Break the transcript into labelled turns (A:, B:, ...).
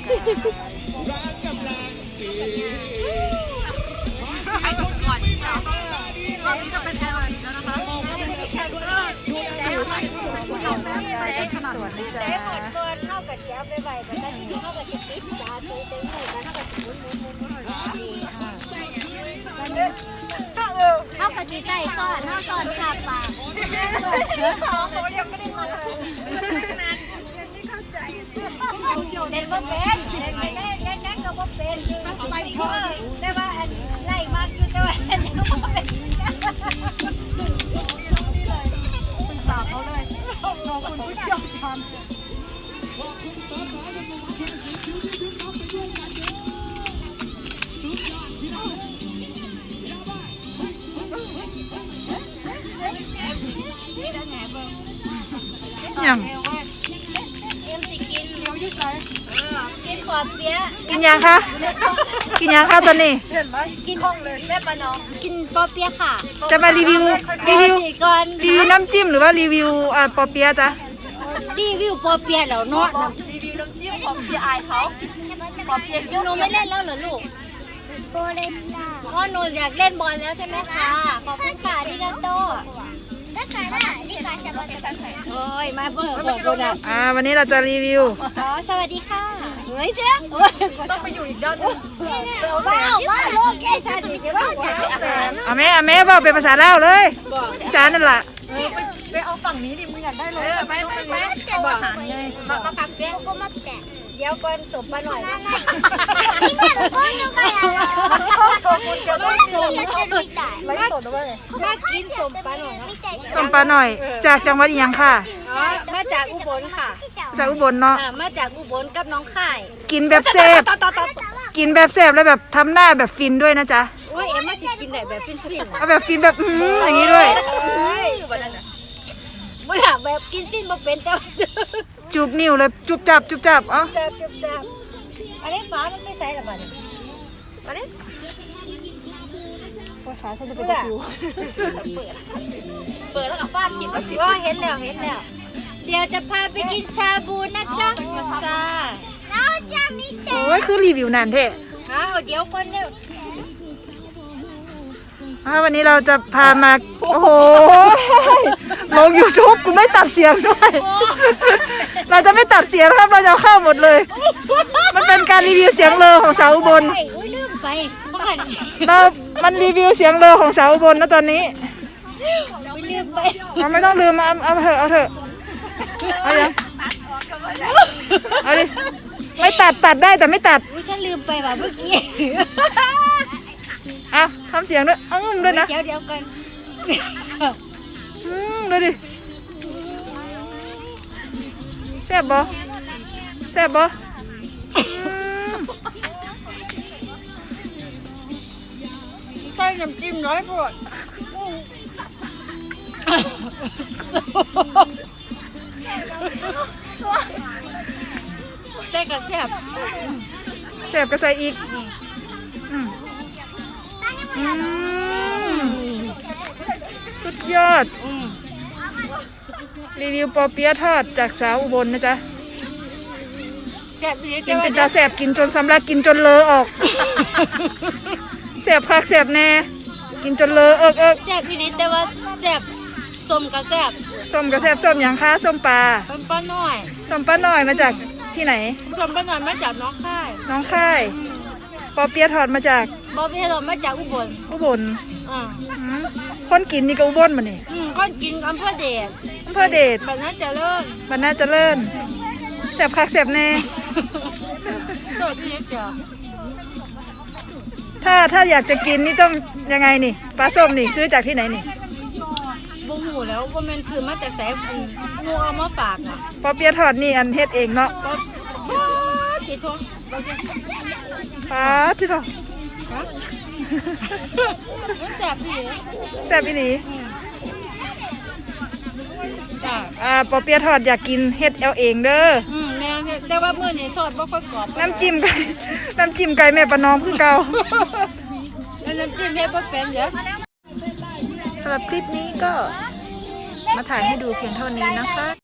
A: ให้ชุดก่อนรอบนี้จะเป็นแครอทแล้วนะคะ
B: สวนนี่จ้า
C: ได้หมดก่อนเท่ากับแก้วไปใบแต่ได้ที่เท่ากับจะติดจ้าตีเต็มหัวเท่ากับมุนดีเท่ากับจีใส่ซ่อนเท่าซ่อนขาปากเขายังไม่ได้มาเล่นบ่เป็นเล่นไม่ได้เล่นนั่งก็บ่เป็นแต่ว่าไล่มากอยู่แต่ว่ายังบ่เป็น
A: สาวเขาเลยน้องคุณผู้เชี่ยวชาญ
B: ยัง
C: เอ็มสิกินกินขอบเปี๊ยะ
B: กินยังคะกินยังคะตอนนี้
C: กินแม่ปะน้องกินปอเปี๊ยะค่ะ
B: จะมารีวิว
C: ก่อน
B: น้ำจิ้มหรือว่ารีวิวปอเปี๊ยะจ๊ะ
C: รีวิวปอเปี๊ยะแล้วเนาะ
A: รีวิวน้ำจิ้มของพี่อายเขาขอเพียง
C: หนูไม่เล่นแล้วเหรอลูกโบเลสตาพ่อหนูอยากเล่นบอลแล้วใช่ไหมคะขอบคุณค่ะที่กันโตโอ้ยมาเพิ่มขอบคุณอ่ะ
B: วันนี้เราจะรีวิว
C: อ๋อสวัสดีค่ะเฮ้ยเจ๊
A: ต้องไปอยู่อีกด้านนึง
C: ว้าวว้าวโลกแกสันติจะว่าอยากอาหาร
B: เอาแม่บอกเป็นภาษาลาวเลยอีสานนั่นแหละ
A: ไปเอาฝั่งนี้ดิมึงอยากได้เลยไปอาหารเลยมาพักเจ๊ก็มาแกะ
C: เดี๋ยวก่อนสมปะหน่อย
A: ขอบคุณเจ้าด้วยไลฟ์สดด้วย
C: มากินสมปะหน่อย
B: ส้มปลาหน่อย จากจังหวัดอีหยังค่ะ
C: อ๋อมาจากอุบลค่ะ
B: จากอุบลเนาะ
C: มาจากอุบลกับน้องข่าย
B: กินแบบแซ่บกินแบบแซ่บแล้วแบบทำหน้าแบบฟินด้วยนะจ๊ะ
C: โอ้ยเอ็มมาสิกินได้แบบฟิน
B: เอาแบบฟินแบบอย่างนี้ด้วย
C: ไม่อยากแบบกินฟินบ่เป็นแต่
B: จูบนิ้วเลยจุบจับเอ้า
C: จับอันนี้ฟ้ามันไม่ใส่หรอบ้านอันนี้
B: ขาฉันจะเป็นตะคิว
A: เปิดแล้วกับฟาดขิดแล้วสิ
C: ว่าเห็นแล้วเดี๋ยวจะพาไปกินชาบูนะจ๊ะจ้าเราจะมีเด็ก
B: โอ้ยคือรีวิวนานเท่
C: เดี๋ยวคนเดียว
B: วันนี้เราจะพามาโอ้โหลง YouTube กูไม่ตัดเสียงด้วย เราจะไม่ตัดเสียงนะครับเราจะเข้าหมดเลย มันเป็นการรีวิวเสียงเลอของสาวอุบล
C: ลืมไปบ้าน
B: มันรีวิวเสียงเลอของสาวอุบลนะตอนนี้
C: ลืมไป
B: เราไม่ต้องลืมเอาเถอะเอายังเอาดิไม่ตัดได้แต่ไม่ตัด
C: ฉันลืมไปว่ะเมื่อกี้
B: เอาทำเสียงด้วยด้วยนะ
C: เดี๋ยวกัน
B: ดูดิแซ่บบ่
A: ใส่น้ำจิ้มน้อยพอด
C: แต่ก็แซ่บ
B: แซ่บก็ใส่อีกสุดยอดรีวิวปอเปี๊ยะทอดจากสาวอุบลนะจ๊ะ
C: แซ่บดี
B: กินเป็นตาแซ่บกินจนสำลักกินจนเลอะออกแซ่บคักแซ่บแน่กินจนเลอะเอิก
C: แซ่บพี่นิดแต่ว่าแซ่บสมกับแซ่บ
B: ส้มก็แซ่บส้มอย่างคะส้มปลา
C: เป็นป้าน้อย
B: ส้มป้าน้อยมาจากที่ไหน
C: สมป้าน้อยมาจากน้องค่าย
B: น้องค่ายปอเปี๊ยะทอดมาจาก
C: บอพี่เรามาจากอุบล
B: อุบล
C: อืม
B: คนกินนี่ก็อุบลมานี่
C: ก้อนกินอำเภอเดช
B: อำเภอเดช
C: แบบนั้นจะเลิศ
B: บรรณาเจริญแซ่บคักแซ่บแน่
C: เกิดพี่นิดเจ้า
B: ถ้าอยากจะกินนี่ต้องยังไงนี่ปลาส้มนี่ซื้อจากที่ไหนนี่
C: บ่หูแล้วว่ามันซื้อมาจากไหนงูเอามาฝากอ่ะ
B: ปอเปี๊ยะทอดนี่อันเฮ็ดเองเนาะ
C: ก็ติดทงเราจะ
B: ปลาที่เรา
C: มันแซ่บพี่
B: แซ่บอีหลีปอเปี๊ยะทอดอยากกินเฮ็ดเอาเองเด้อ
C: แม่แต่ว่ามื้อนี้ทอดบ่ค่อยกรอบ
B: น้ำจิ้มไก่แม่ประนอมคือเก่า
C: น้ำจิ้มเฮ็ดบ่เป็นเด้อ
B: สำหรับคลิปนี้ก็มาถ่ายให้ดูเพียงเท่านี้นะคะ